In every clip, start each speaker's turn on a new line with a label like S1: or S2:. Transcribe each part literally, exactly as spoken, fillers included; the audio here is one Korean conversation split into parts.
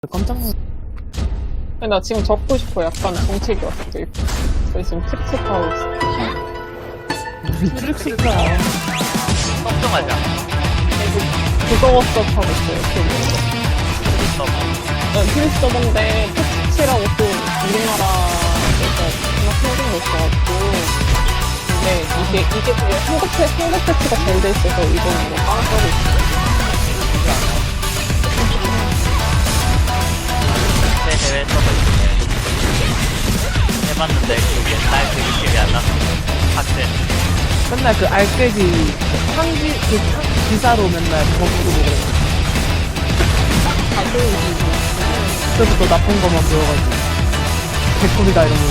S1: 깜짝 놀랐.
S2: 나 지금 적고 싶어. 약간 정책이 왔어. 저 지금 트릭스하고 있어.
S1: 트릭스야.
S3: 걱정하지 않아.
S2: 그거 수업 하고 있어요. 그거. 네, 트릭스 서버인데 패치라고 또 우리나라에서 정말 생긴 거 있어가지고. 근데 이게 이게 그냥 한국 패 한국 패치가 잘 돼 있어서 이거는 뭐 빵 써고 있어요.
S3: 내 해외 서버 있네. 해봤는데 그 옛날 그 느낌이 안 났어. 학생.
S1: 맨날 그 알깨기 상기 그 상- 기사로 맨날 거꾸로 보고 그래. 그때부터 나쁜 것만 보여가지고 개꿀이다 이러면.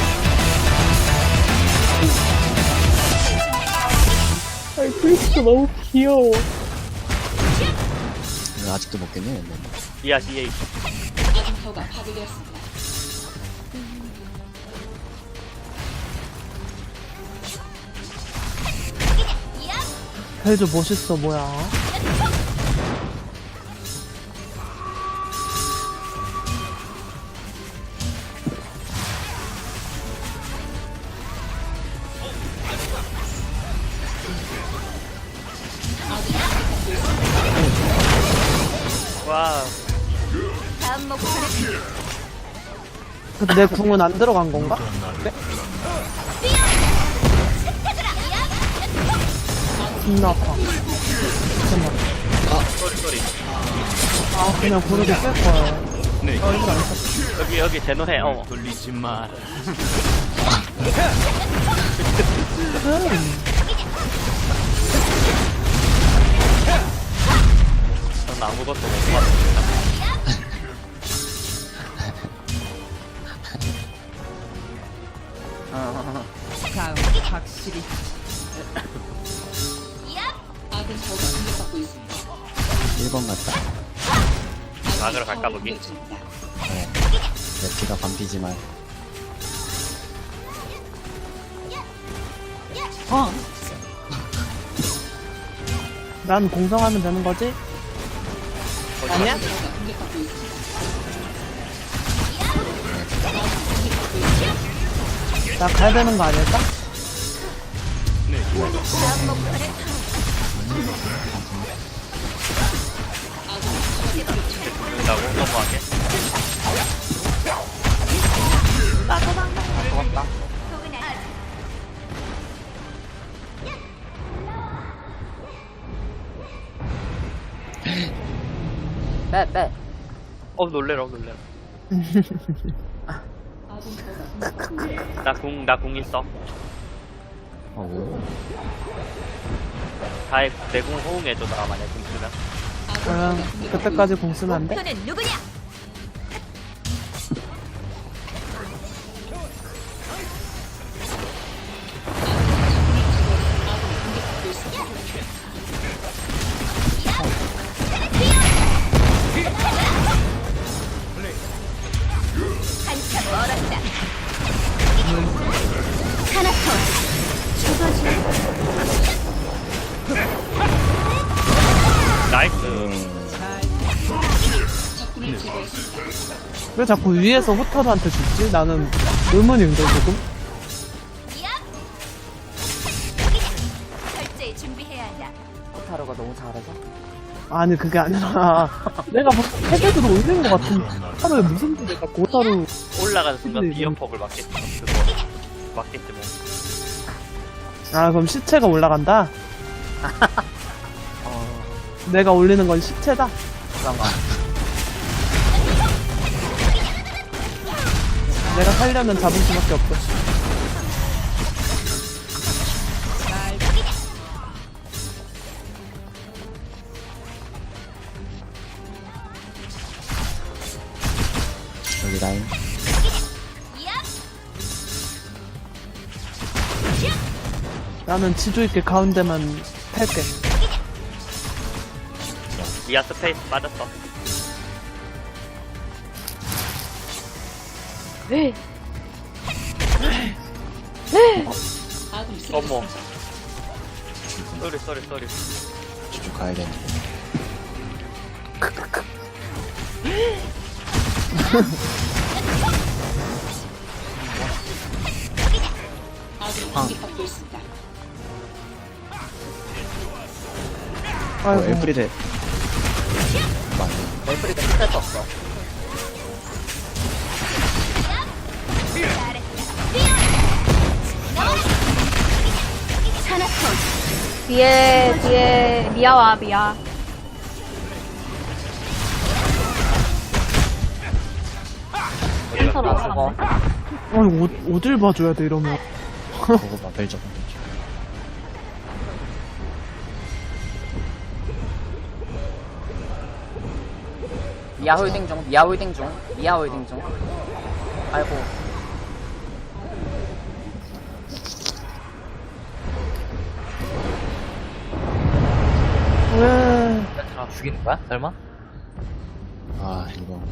S2: 아이 트릭스 너무 귀여워.
S4: 이거 아직도 못 깼네. 뭐.
S3: 이하 씨에이.
S5: 아군타워가 파괴되었습니다.
S1: 벨저 멋있어 뭐야.
S3: 와우.
S1: 근데 내 궁은 안 들어간 건가? 네? 존나 아파. 잠깐만.
S3: 소리 소리.
S1: 아 그냥 고르게 쓸 거야.
S4: 네.
S1: 어 이거 안 썼어.
S3: 여기 여기 제노해. 어.
S4: 돌리지 마.
S1: 음.
S3: 전 아무것도 못 봤습니다.
S5: 다음 확실히 아군타워가 공격받고 있습니다.
S4: 일 번 같다.
S3: 막으러 갈까 보기.
S4: 네. 내 피가 반피지만.
S1: 어. 난 공성하면 되는 거지? 아니야?
S5: 아군타워가 공격받고 있습니다.
S1: 나 가야 되는 거 아닐까?
S3: 라고 너무하게. 고맙다.
S1: 네, 네.
S3: 어 놀래라 놀래라.
S5: 아군타워가 공격받고 있습니다.
S3: 나 궁 나 궁 있어.
S4: 어,
S3: 다의 내궁 호응해줘. 나 만약 궁 쓰면.
S1: 그럼 그때까지 공 쓰면 안 돼?
S3: 나이스.
S5: 적군을 제거했습니다.
S1: 왜 자꾸 위에서 호타루한테 죽지? 나는 의문인데 조금?
S6: 철저히 준비해야 한다.
S1: 호타루가 너무 잘해서? 아니 그게 아니라 내가 뭐 헤드도 올린 것 같은데 호타루에 무슨 일이 자꾸 호타루.
S3: 올라가는 순간
S1: 근데
S3: 비염폭을 맞겠지. 그거 맞겠지 뭐.
S1: 아 그럼 시체가 올라간다? 내가 올리는 건 시체다?
S3: 그런가.
S1: 내가 살려면 잡을 수밖에 없어.
S4: 여기 라인.
S1: 나는 지조 있게 가운데만 탈게.
S3: 미아 스페이스 빠졌어.
S5: 아군
S3: 어머.
S5: 쓰러졌습니다.
S3: 쏘리 쏘리 쏘리.
S4: 저쪽 가야 되는데.
S5: 아군이 공격받고 있습니다.
S4: 어,
S1: 아이고.
S4: 엘프리데.
S3: 멜프리가 스텔스 없어.
S6: 뒤에 뒤에 미아와 미아.
S3: 이거 저거.
S1: 아니, 어, 어딜 봐줘야 돼, 이러면.
S4: 그거 봐, 벨저.
S7: 미아 홀딩 중, 미아 홀딩 중, 미아 홀딩 중. 아이고,
S1: 왜.
S3: 다 죽이는 거야? 설마?
S4: 아, 이거.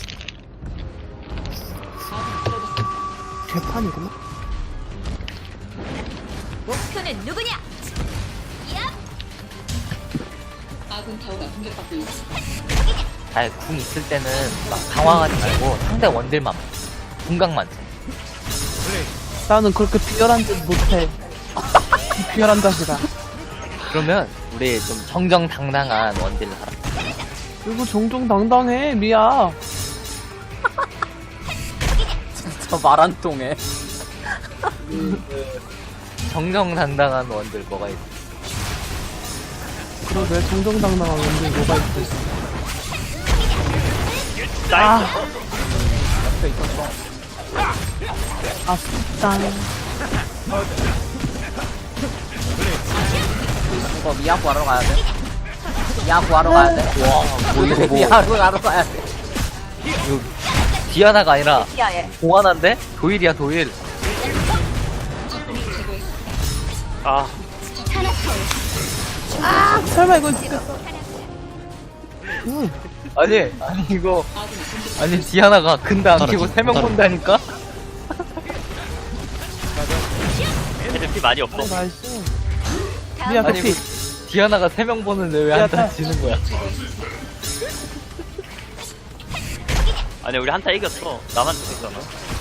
S1: 개판이구나.
S5: 아군 타워가 공격받고 있습니다.
S8: 잘 궁 있을 때는 막 당황하지 말고 상대 원딜만 궁각만 쳐.
S1: 나는 그렇게 비열한 짓 못해. 비열한 자식아.
S8: 그러면 우리 좀 정정당당한 원딜을 하라.
S1: 이거 정정당당해, 미야.
S7: 저 말 안 통해.
S8: 정정당당한 원딜 뭐가 있어?
S1: 그러게, 정정당당한 원딜 뭐가 있어.
S3: 나이스.
S1: 아싸.
S7: 이거 미아 구하러 가야 돼. 미아 구하러 가야 돼.
S8: 와, 뭐 이거 뭐
S7: 미아 구하러 가야 돼.
S8: 이거 디아나가 아니라
S6: 미아예.
S8: 공환한데? 도일이야 도일.
S3: 아,
S1: 설마 이거 진짜. 응.
S8: 아니 아니 이거 아니 디아나가 근데 안 키고
S4: 따라줘,
S8: 세 명
S4: 따라줘.
S8: 본다니까?
S3: 애들 피 많이 없어.
S1: 나이스. 미야,
S8: 아니
S1: 커피.
S8: 뭐, 디아나가 세 명 보는데 왜 한타
S1: 야,
S8: 지는 거야?
S3: 아니, 우리 한타 이겼어. 나만 죽였잖아.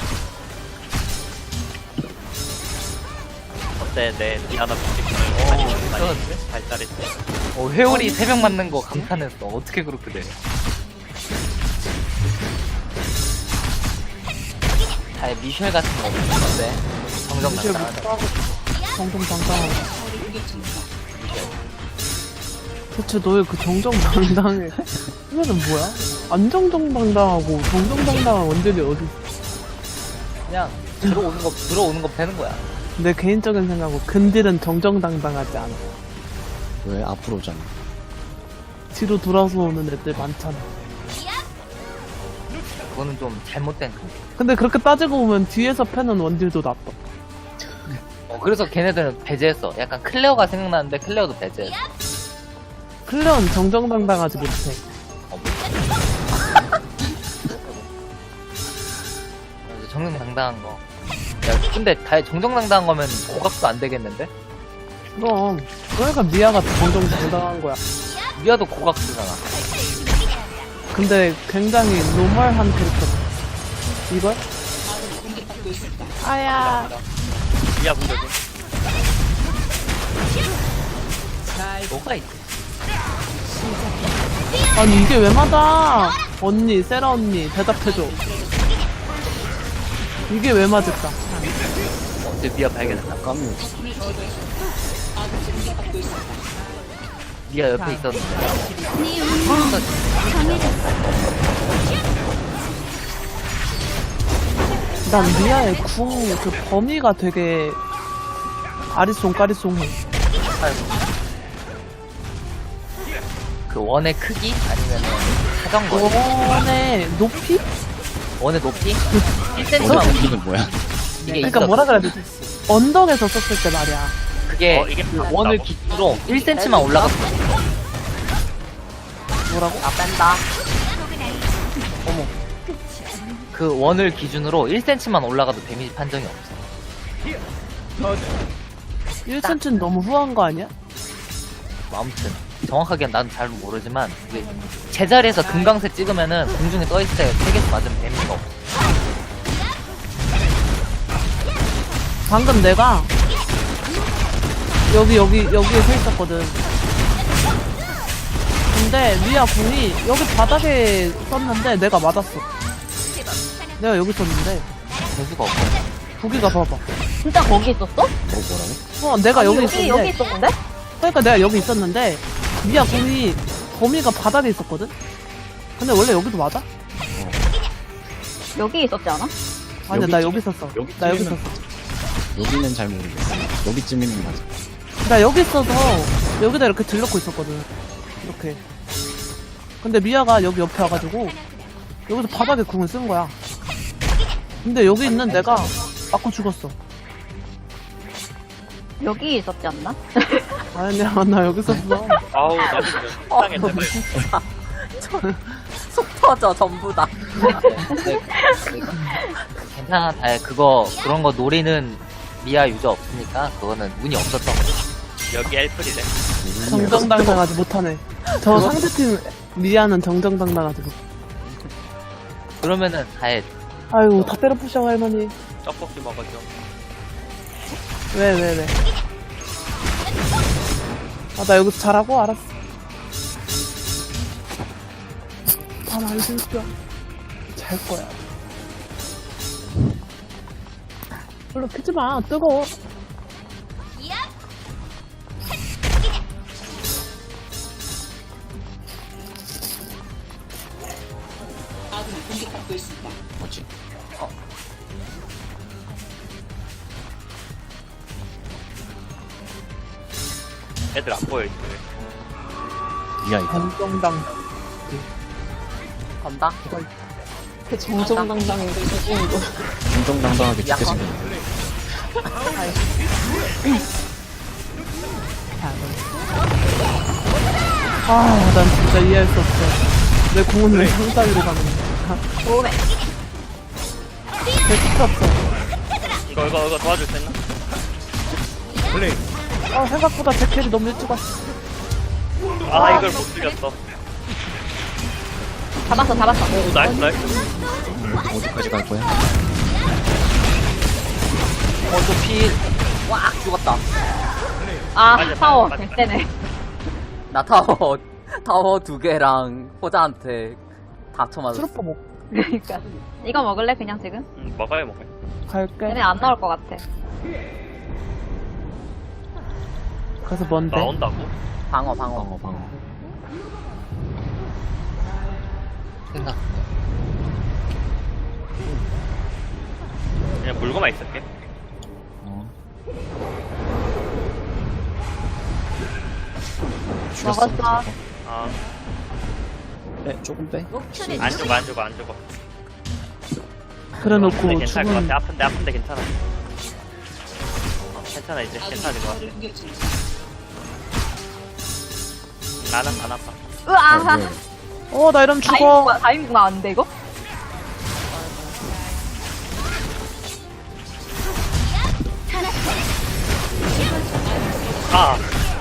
S3: 어때, 내 디아나 부식을 많이 많이 발달했지.
S8: 어, 회오리 세 명 맞는 거 감탄했어. 어떻게 그렇게 돼? 아니 미셸 같은 거 없는 건데 정정당당하다.
S1: 정정당당하고. 대체 너의 그 정정당당해. 그거는 뭐야? 안 정정당당하고 정정당당한 원딜이 어디 있어?
S8: 그냥 들어오는 거 들어오는 거 패는 거야.
S1: 내 개인적인 생각은 근딜은 정정당당하지 않아.
S4: 왜 앞으로 오잖아.
S1: 뒤로 돌아서 오는 애들 많잖아.
S8: 그거는 좀 잘못된 거.
S1: 근데 그렇게 따지고 보면 뒤에서 패는 원딜도 나빠.
S8: 어, 그래서 걔네들은 배제했어. 약간 클레어가 생각나는데 클레어도 배제했어.
S1: 클레온 정정당당하지 못해.
S8: 어, 그래서 정정당당한 거. 야, 근데 다 정정당당한 거면 고각도 안 되겠는데?
S1: 그럼 그러니까 미아가 정정당당한 거야.
S8: 미아도 고각 쓰잖아.
S1: 근데 굉장히 노멀한 캐릭터. 이걸?
S5: 아군이 공격받고 있습니다.
S1: 아야.
S3: 미아 공격은.
S8: 뭐가 있지?
S1: 아니 이게 왜 맞아? 언니, 세라 언니 대답해줘. 이게 왜 맞을까?
S8: 어제 미아 발견했나?
S4: 까뮤.
S5: 아군이 공격받고 있습니다.
S8: 미아 옆에 있었는데.
S1: 난 미아의 궁 그 범위가 되게 아리송까리송해.
S8: 그 원의 크기? 아니면 사정거?
S1: 원의 높이?
S8: 원의 높이? 일
S4: 어,
S8: 센티미터만
S4: 이건 뭐야?
S8: 이게
S1: 그러니까
S8: 있어.
S1: 뭐라 그래야 되지? 언덕에서 썼을 때 말이야.
S8: 그게
S3: 어, 이게
S8: 그
S3: 맞다고?
S8: 원을 기준으로 일 센티미터만 올라갔어.
S1: 뭐라고?
S7: 나 뺀다.
S8: 그 원을 기준으로 일 센티미터만 올라가도 데미지 판정이 없어.
S1: 일 센티미터는 너무 후한 거 아니야?
S8: 뭐 아무튼 정확하게 난 잘 모르지만 이게 제자리에서 금강새 찍으면은 공중에 떠있을 때 세 개씩 맞으면 데미지가 없어.
S1: 방금 내가 여기 여기 여기에 서 있었거든. 근데 미아 궁이 여기 바닥에 썼는데 내가 맞았어. 내가 여기 있었는데
S8: 재수가 없어.
S1: 부기가 봐봐.
S6: 진짜 거기 있었어?
S4: 뭐 뭐라고?
S1: 어 내가 여기
S6: 여기,
S1: 있었는데
S6: 여기 있었는데?
S1: 그러니까 내가 여기 있었는데 미아 궁이 범위가 바닥에 있었거든. 근데 원래 여기도 맞아?
S6: 여기 있었지 않아?
S1: 아니야 나
S4: 여기쯤-
S1: 여기 있었어.
S4: 여기쯤이면-
S1: 나 여기 있었어.
S4: 여기는 잘 모르겠어. 여기쯤이면 맞아.
S1: 나 여기 있어서 여기다 이렇게 들놓고 있었거든. 이렇게. 근데 미아가 여기 옆에 와가지고 여기서 바닥에 궁을 쓴 거야. 근데 여기 있는 내가 맞고 죽었어.
S6: 여기 있었지 않나?
S1: 아니야 나 여기 있었어.
S3: 아우 나 진짜
S7: 어,
S3: 속상해.
S7: 진짜. 속 터져, 전부 다.
S8: 괜찮아. 다 그거 그런 거 노리는 미아 유저 없으니까 그거는 운이 없었던 거야.
S3: 여기 엘플이래.
S1: 정정당당하지 못하네. 저 상대팀 미아는 정정당당하지 못.
S8: 그러면은 다해.
S1: 아유 다 때려 부셔 할머니.
S3: 떡볶이 먹어줘.
S1: 왜 왜 왜? 아 나 여기서 잘하고 알았어. 다 말해줄 거야. 잘 거야. 별로 피지 마. 뜨거워.
S5: 아군이 공격받고 있습니다.
S4: 뭐지?
S3: 애들 안 보여 있어.
S4: 미아 이거.
S1: 정정당.
S7: 건다?
S2: 그 정정당당한 게 무슨 거.
S4: 정정당당하게
S7: 약간.
S4: 지켜지는.
S1: 아, 난 진짜 이해할 수 없어. 내 공은 왜 상따위로 가는 거야?
S6: 오메.
S1: 내 스트 없어.
S3: 이거 이거 이거 도와줄 수 있나?
S1: 아, 생각보다 제 캐리 너무 일찍 왔어.
S3: 아 이걸 못 죽였어.
S6: 잡았어, 잡았어.
S3: 오 나이스 나이스.
S4: 어디까지 갈 거야?
S8: 어, 또 필.
S7: 와, 죽었다.
S6: 아,
S3: 맞아,
S6: 파워.
S3: 맞아.
S6: 될
S7: 나 타워, 타워 두 개랑 호자한테 다 쳐맞았어.
S1: 트루퍼 먹
S6: 그러니까. 이거 먹을래, 그냥 지금?
S3: 응 먹어요 먹어요.
S1: 갈게.
S6: 얘네 안 나올 것 같아.
S1: 그래서 뭔데?
S3: 나온다고?
S7: 방어, 방어.
S4: 방어 방어.
S8: 생각.
S3: 그냥 물고만 있을게.
S4: 어.
S6: 먹었어.
S4: 죽였어.
S3: 아
S4: 빼 조금 빼.
S3: 안 죽어 안 죽어 안 죽어.
S1: 그래 놓고
S3: 근데 괜찮을 것
S1: 죽은
S3: 같아. 아픈데 아픈데 괜찮아. 어, 괜찮아 이제
S5: 아군이
S3: 괜찮을 것 같아.
S5: 타워를 공격 중입니다.
S3: 나는 안 아파.
S6: 으아!
S4: 네.
S1: 어, 나 이러면 죽어.
S6: 다이빙, 다이빙 나왔는데, 이거?
S3: 아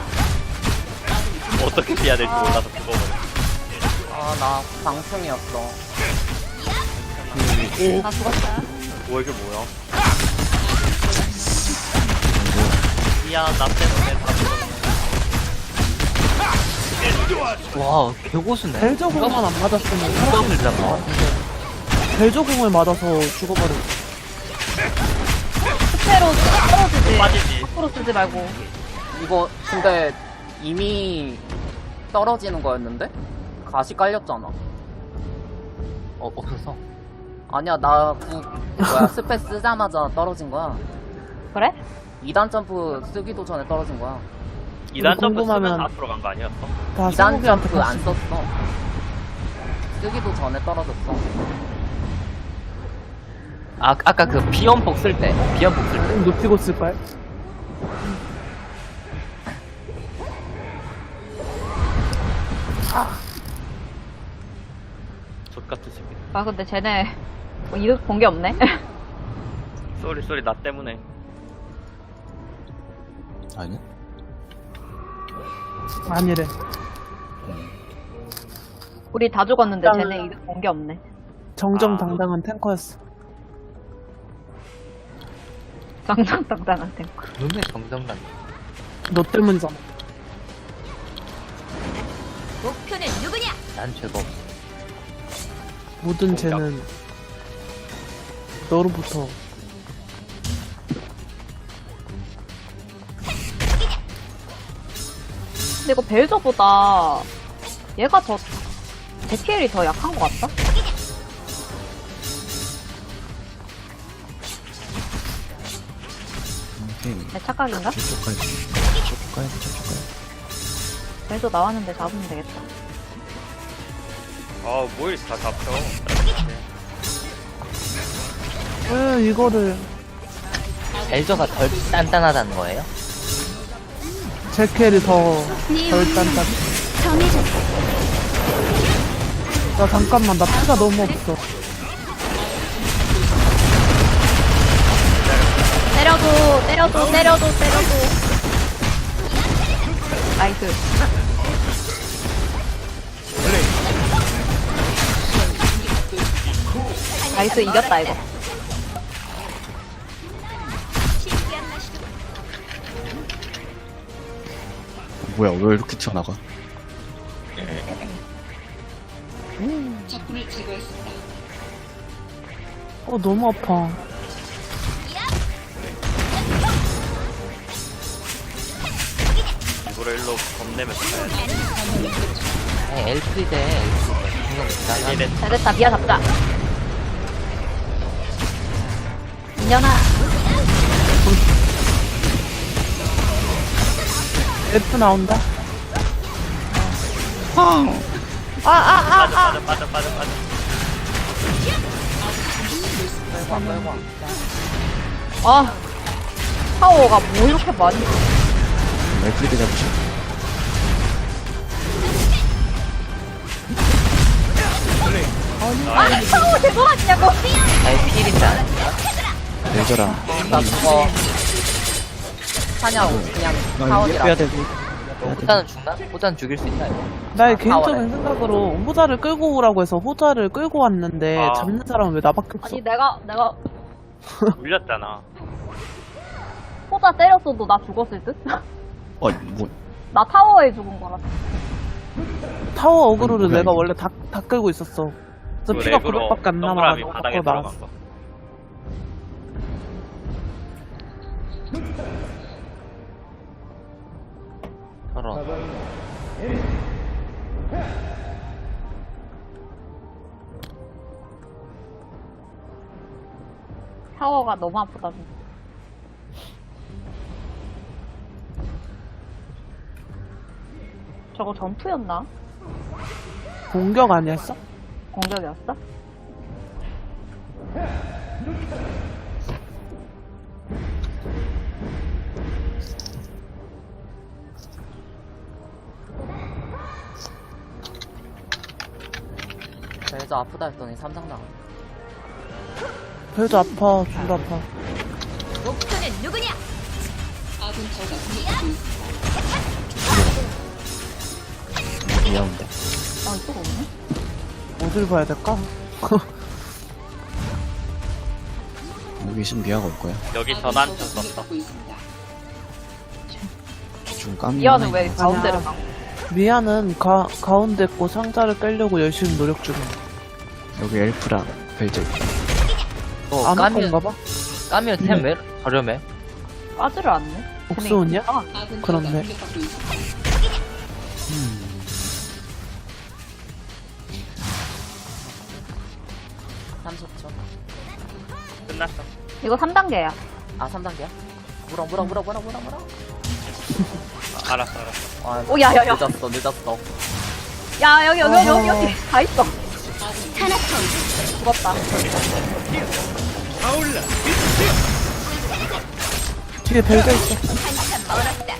S3: 어떻게 피해야 될지 몰라서 죽어버려.
S7: 아, 나 방충이었어.
S6: 나 죽었다.
S3: 뭐 이게 뭐야? 미안 나 때문에 다 죽었네.
S8: 와, 개고수네.
S1: 벨저공만 안 맞았으면
S8: 누가
S1: 살았을
S8: 불잖아.
S1: 것 같은데. 벨저공을 맞아서 죽어버렸어.
S6: 스페로 떨어지지.
S3: 빠지지.
S6: 밖으로 쓰지 말고.
S7: 이거, 근데 이미 떨어지는 거였는데? 가시 깔렸잖아.
S8: 어, 없었어.
S7: 아니야, 나 구, 뭐야, 스페 쓰자마자 떨어진 거야.
S6: 그래?
S7: 이 단 점프 쓰기도 전에 떨어진 거야.
S3: 이 단 점프
S1: 궁금하면-
S3: 쓰면 앞으로 간 거 아니었어?
S1: 다
S7: 이 단
S1: 스무비한테
S7: 점프 안
S1: 갔어.
S7: 썼어. 쓰기도 전에 떨어졌어.
S8: 아, 아까 그 비연폭 쓸 때. 비연폭 쓸 때.
S1: 좀 높이고 쓸걸?
S3: 족같은 새끼.
S6: 아, 근데 쟤네, 뭐 이득 본 게 없네?
S3: 쏘리 쏘리 나 때문에.
S4: 아니?
S1: 아니래.
S6: 우리 다 죽었는데
S1: 일단-
S6: 쟤네 이득 본 게 없네.
S1: 정정당당한 탱커였어.
S6: 정정당당한 탱크.
S8: 눈에 정정당.
S1: 너 때문이잖아.
S5: 목표는 누구냐?
S8: 난 죄가 없어.
S1: 모든 죄는 너로부터.
S6: 근데 이거 벨저보다 얘가 더 제키엘이 더 약한 것 같다?
S4: 오케이.
S6: 내 착각인가?
S4: 저쪽 가야 돼. 저쪽 가야 돼. 저쪽 가야 돼.
S6: 벨저 나왔는데 잡으면 되겠다.
S3: 아, 뭘 다 잡혀.
S1: 왜 이거를
S8: 벨저가 덜 단단하다는 거예요?
S1: 제켈이 더 덜 단단. 나 잠깐만, 나 피가 너무 없어.
S6: 때려줘, 때려줘, 때려줘, 때려줘. 나이스. 나이스, 이겼다, 이거.
S4: 뭐야, 왜 이렇게 튀어나가?
S5: 적군을 제거했습니다.
S1: 어, 너무 아파.
S3: 이거를 일로 겁내면서 가야지.
S8: 아니, 엘프리데, 엘프리데. 분명 기다려.
S3: 이래.
S6: 잘됐다, 미아 잡자. 민현아.
S1: F 나온다.
S3: 빠져, 빠져, 빠져, 빠져, 빠져.
S6: 아, 파워가 뭐 이렇게 많이.
S4: 엘프리드 잡으셔.
S6: 아니, 파워 제거 아니냐고.
S8: 아니, 필인지 아니야?
S4: 레저랑.
S7: 나 그거 사냥 그냥
S4: 나
S7: 사원이라.
S4: 빼야 되고.
S8: 호자는 죽나? 호자는 죽일 수 있나, 이거?
S1: 나의
S7: 아,
S1: 개인적인 생각으로 호자를 끌고 오라고 해서 호자를 끌고 왔는데
S3: 아.
S1: 잡는 사람은 왜 나밖에 없어?
S6: 아니, 내가, 내가
S3: 물렸잖아.
S6: 호자 때렸어도 나 죽었을 듯?
S4: 어, 뭐,
S6: 나 타워에 죽은 거라.
S1: 타워 어그로를
S4: 그게
S1: 내가
S4: 아니고.
S1: 원래 다, 다 끌고 있었어. 그래서
S3: 그
S1: 피가
S3: 렉으로
S1: 구백밖에 안
S3: 동그라미
S1: 남아가지고
S3: 바닥에
S1: 밖으로
S3: 들어간
S1: 나왔어.
S3: 거.
S8: 저런.
S6: 타워가 너무 아프다. 저거 전투였나?
S1: 공격 아니었어?
S6: 공격이었어?
S7: 그래서 아프다 했더니 삼상 당.
S1: 배도 아파, 둘 아파.
S5: 목표는 누구냐? 아군 타워가 공격받고 있습니다.
S4: 미안한데.
S6: 아, 이거 없네?
S1: 어딜 봐야 될까?
S4: 여기 있으면 미아가 올 거야.
S3: 여기
S5: 아군
S3: 전환
S5: 타워가
S3: 좀 썼어.
S5: 공격받고 있습니다.
S4: 좀 까면.
S6: 미아는 왜 가운데를 가?
S1: 미아는 가, 가운데 거 상자를 빼려고 열심히 노력 중이야.
S4: 여기 엘프랑 벨저.
S8: 어,
S1: 안 올
S8: 까면,
S1: 건가 봐?
S8: 까면 템 왜 저렴해?
S6: 까지를 않네?
S1: 옥수훈이야?
S6: 아,
S5: 아군 타워가
S1: 그렇네.
S5: 공격받고 있습니다.
S7: 삼십 초.
S3: 끝났어.
S6: 이거 삼 단계야.
S7: 아 삼 단계야? 물어 물어 물어 물어 물어 물어.
S3: 아, 알았어, 알았어.
S7: 아,
S6: 오, 야, 야, 야.
S7: 늦었어 늦었어.
S6: 야, 여기, 여기, 여기, 여기, 여기. 다 있어.
S5: 타나톤
S6: 죽었다.
S1: 뒤에 벨가 있어.
S5: 한참 멀었다.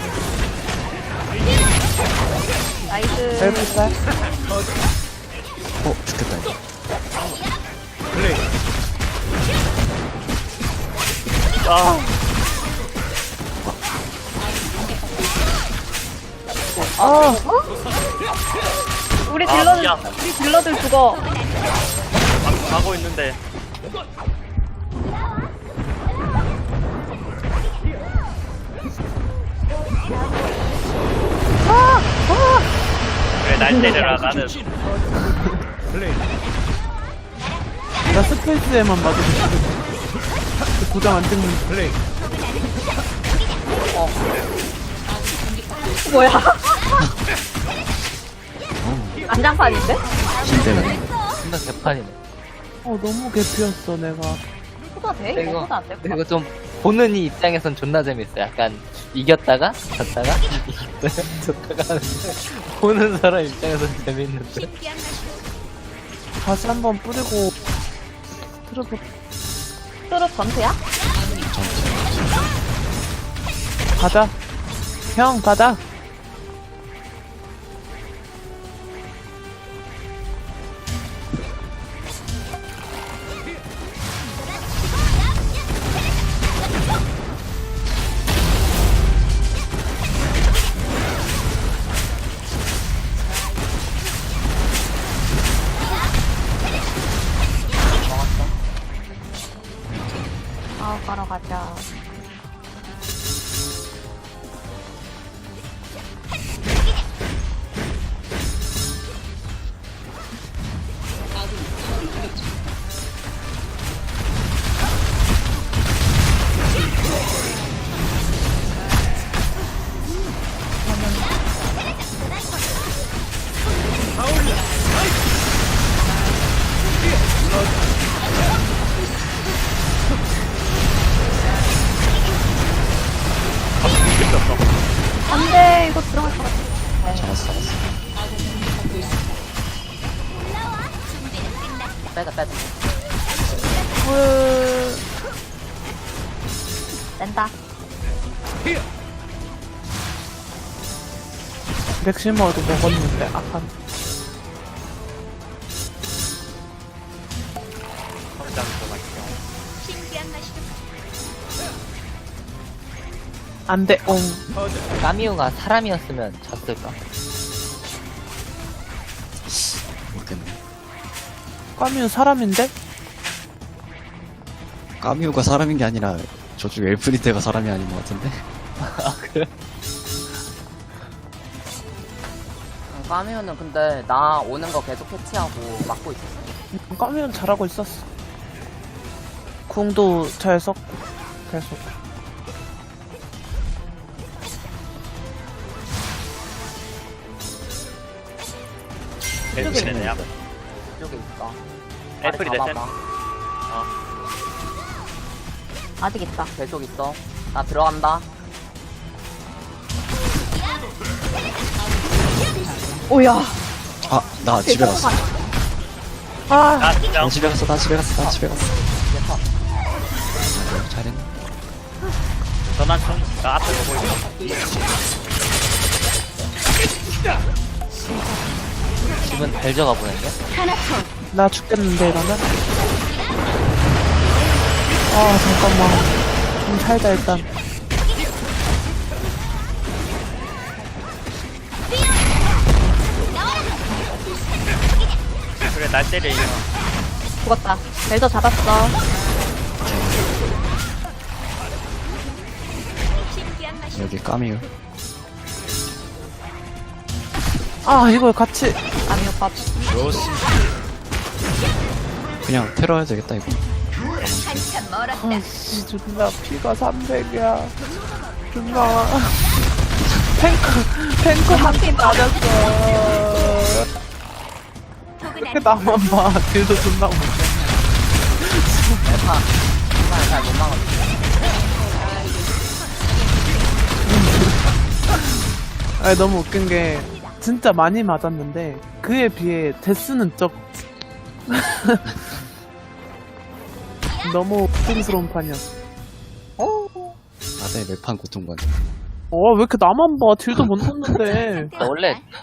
S6: 나이스.
S1: 벨살
S4: 어, 죽겠다, 이거.
S3: 아,
S1: 아,
S6: 우리
S3: 아,
S6: 딜러들,
S3: 야.
S6: 우리 딜러들 죽어.
S3: 가- 가고 있는데. 왜 날 때려라, 나는.
S1: 나 스페이스에만 맞아도 죽겠어. 도장 안 찍는 플레이.
S6: 뭐야? 안장판인데?
S4: 힐 때문에.
S8: 존나 개판이네.
S1: 어, 너무 개피였어, 내가.
S6: 소다 돼?
S8: 그리고,
S6: 이거 소다 안 될 것
S8: 그리고
S6: 같아.
S8: 좀 보는 이 입장에선 존나 재밌어. 약간 이겼다가 졌다가 이겼다가 졌다가 하는데 보는 사람 입장에선 재밌는데.
S5: 신기한 맛이
S1: 다시 한번 뿌리고, 틀어보,
S6: 트롯 전투야?
S1: 가자. 형, 가자.
S6: 아, 가러 가자. 안 돼, 이거 들어갈 것 같아.
S4: 잡았어, 잡았어.
S7: 빼자 빼자.
S1: 헐.
S6: 낸다.
S1: 맥시머도 먹었는데, 아까.
S3: 성장 좀 할게요.
S5: 신기한 맛이
S1: 안 돼, 옹.
S8: 까미우가 사람이었으면 졌을까?
S4: 모르겠네.
S1: 까미우 사람인데?
S4: 까미우가 사람인 게 아니라 저쪽 엘프리테가 사람이 아닌 것 같은데?
S8: 아 그래?
S7: 까미우는 근데 나 오는 거 계속 캐치하고 막고 있었어.
S1: 까미우는 잘하고 있었어. 궁도 잘 썼고, 계속.
S3: 애플이 되냐?
S7: 이쪽에 있어.
S3: 애플이
S7: 빨리
S3: 되냐?
S7: 잡아봐.
S6: 아직 있다.
S7: 계속 있어. 나 들어간다.
S6: 오야.
S4: 아, 나 집에 갔어.
S1: 아,
S3: 나 진짜
S4: 나 집에 갔어, 나 집에 갔어, 나 집에 갔어.
S7: 이제 터.
S4: 아, 잘했네.
S3: 전환 좀, 나 앞에 보고 있어.
S8: 기분 달져가 보냈네?
S1: 나 죽겠는데, 이러면? 아, 잠깐만. 좀 살자, 일단.
S3: 그래, 날 때려, 이거.
S6: 죽었다. 벨저 잡았어.
S5: 신기한 맛이
S4: 여기 까미우.
S1: 아, 이걸 같이.
S6: 아니, 오빠.
S4: 그냥 테러 해야 되겠다, 이거.
S5: 한참 멀었다.
S1: 아, 씨, 존나 피가 삼백이야. 존나. 탱크, 탱크 한 팀 맞았어. 왜 나만 봐. 딜도 존나 못해.
S7: 대파. 정말 잘못 막았어.
S1: 아니, 너무 웃긴 게, 진짜 많이 맞았는데, 그에 비해 데스는 적. 너무 고통스러운 판이었어.
S4: 나의 매판 고통관.
S1: 어, 왜 이렇게 나만 봐? 딜도 못 넣는데.
S8: 원래